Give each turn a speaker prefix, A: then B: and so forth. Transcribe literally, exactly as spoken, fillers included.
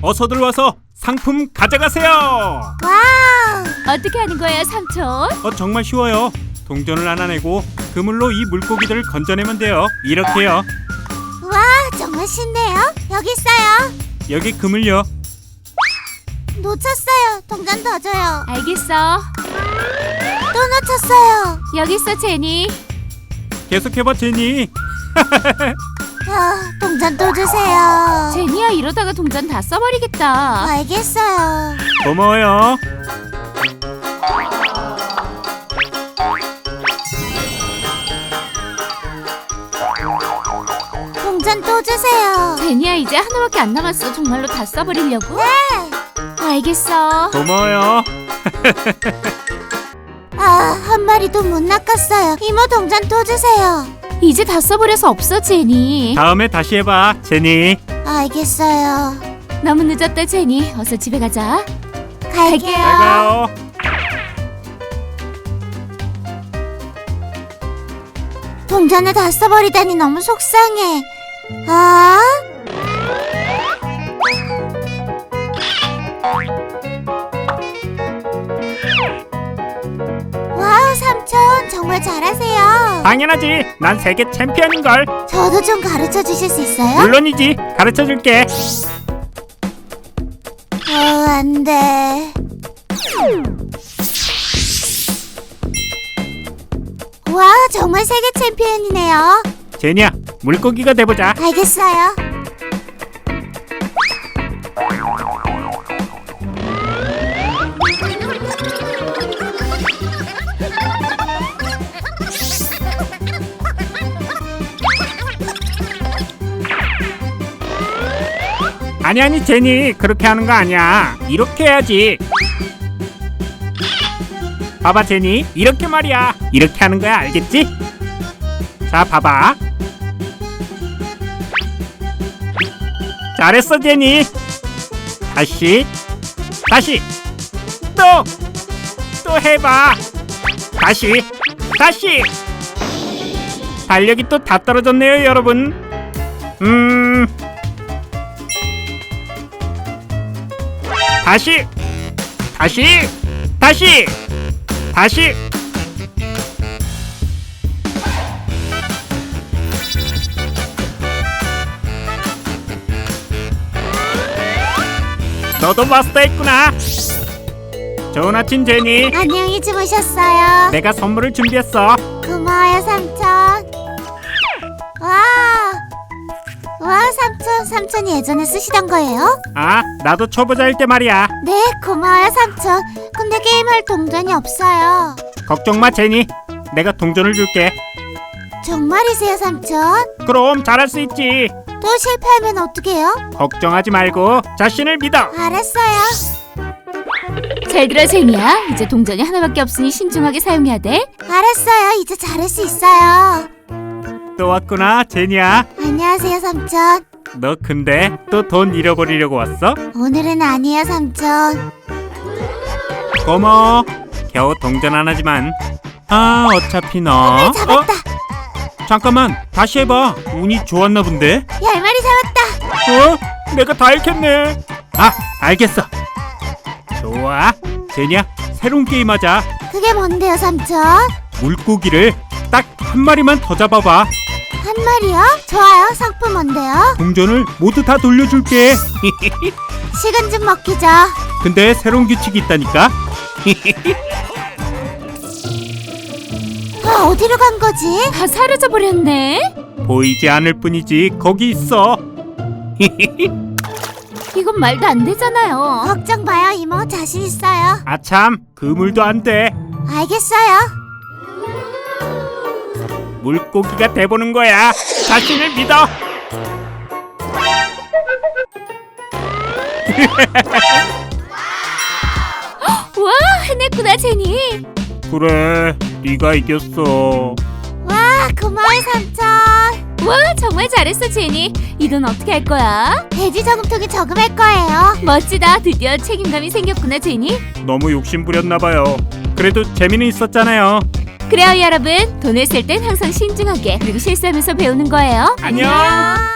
A: 어서들 와서 상품 가져가세요.
B: 와우!
C: 어떻게 하는 거예요, 삼촌?
A: 어, 정말 쉬워요. 동전을 하나 내고 그물로 이 물고기들을 건져내면 돼요. 이렇게요.
B: 와, 정말 쉽네요. 여기 있어요.
A: 여기 그물요.
B: 놓쳤어요. 동전 더 줘요.
C: 알겠어.
B: 또 놓쳤어요.
C: 여기 있어, 제니.
A: 계속해봐, 제니.
B: 아, 동전 또 주세요.
C: 제니야, 이러다가 동전 다 써버리겠다.
B: 알겠어요.
A: 고마워요.
B: 동전 또 주세요.
C: 제니야, 이제 하나밖에 안 남았어. 정말로 다 써버리려고?
B: 네.
C: 알겠어.
A: 고마워요.
B: 아, 한 마리도 못 낚았어요. 이모 동전 또 주세요.
C: 이제 다 써버려서 없어, 제니.
A: 다음에 다시 해봐, 제니.
B: 알겠어요.
C: 너무 늦었다, 제니. 어서 집에 가자.
B: 갈게요.
A: 잘 가요.
B: 동전을 다 써버리다니 너무 속상해. 아? 와우, 삼촌 정말 잘하세요.
A: 당연하지. 난 세계 챔피언인걸.
B: 저도 좀 가르쳐 주실 수 있어요?
A: 물론이지. 가르쳐줄게.
B: 어, 안 돼. 와, 정말 세계 챔피언이네요.
A: 제니야, 물고기가 돼보자.
B: 알겠어요.
A: 아니 아니 제니, 그렇게 하는 거 아니야. 이렇게 해야지. 봐봐 제니, 이렇게 말이야. 이렇게 하는 거야, 알겠지? 자, 봐봐. 잘했어 제니. 다시 다시 또 또 해봐. 다시 다시. 달력이 또 다 떨어졌네요, 여러분. 음 다시 다시 다시 다시. 너도 마스터했구나. 좋은 아침 제니.
B: 안녕히 주무셨어요.
A: 내가 선물을 준비했어.
B: 고마워요, 삼촌. 와, 와, 삼촌, 삼촌이 예전에 쓰시던 거예요?
A: 아, 나도 초보자일 때 말이야.
B: 네, 고마워요, 삼촌. 근데 게임할 동전이 없어요.
A: 걱정 마 제니. 내가 동전을 줄게.
B: 정말이세요, 삼촌?
A: 그럼 잘할 수 있지.
B: 또 실패하면 어떡해요?
A: 걱정하지 말고 자신을 믿어.
B: 알았어요.
C: 잘 들어, 제니야. 이제 동전이 하나밖에 없으니 신중하게 사용해야 돼.
B: 알았어요. 이제 잘할 수 있어요.
A: 또 왔구나 제니야.
B: 안녕하세요, 삼촌.
A: 너 근데 또 돈 잃어버리려고 왔어?
B: 오늘은 아니에요, 삼촌.
A: 고마워. 겨우 동전 하나지만. 아, 어차피 너.
B: 잡았다.
A: 어? 잠깐만, 다시 해봐. 운이 좋았나 본데?
B: 열 마리 잡았다.
A: 어? 내가 다 잃겠네. 아, 알겠어. 좋아. 제니야, 새로운 게임 하자.
B: 그게 뭔데요, 삼촌?
A: 물고기를 딱 한 마리만 더 잡아봐.
B: 한 마리요? 좋아요. 상품 뭔데요?
A: 동전을 모두 다 돌려줄게.
B: 식은 죽 먹기죠.
A: 근데 새로운 규칙이 있다니까.
B: 아, 어디로 간 거지?
C: 다 사라져 버렸네.
A: 보이지 않을 뿐이지 거기 있어.
C: 이건 말도 안 되잖아요.
B: 걱정 마요, 이모. 자신 있어요.
A: 아참, 그물도 안 돼.
B: 알겠어요.
A: 물고기가 돼보는 거야. 자신을 믿어.
C: 와, 해냈구나, 제니.
A: 그래, 네가 이겼어.
B: 와, 고마워요, 삼촌.
C: 와, 정말 잘했어, 제니. 이 돈 어떻게 할 거야?
B: 돼지 저금통에 저금할 거예요.
C: 멋지다. 드디어 책임감이 생겼구나, 제니.
A: 너무 욕심 부렸나 봐요. 그래도 재미는 있었잖아요.
C: 그래요, 여러분. 돈을 쓸 땐 항상 신중하게, 그리고 실수하면서 배우는 거예요.
A: 안녕.
B: 안녕.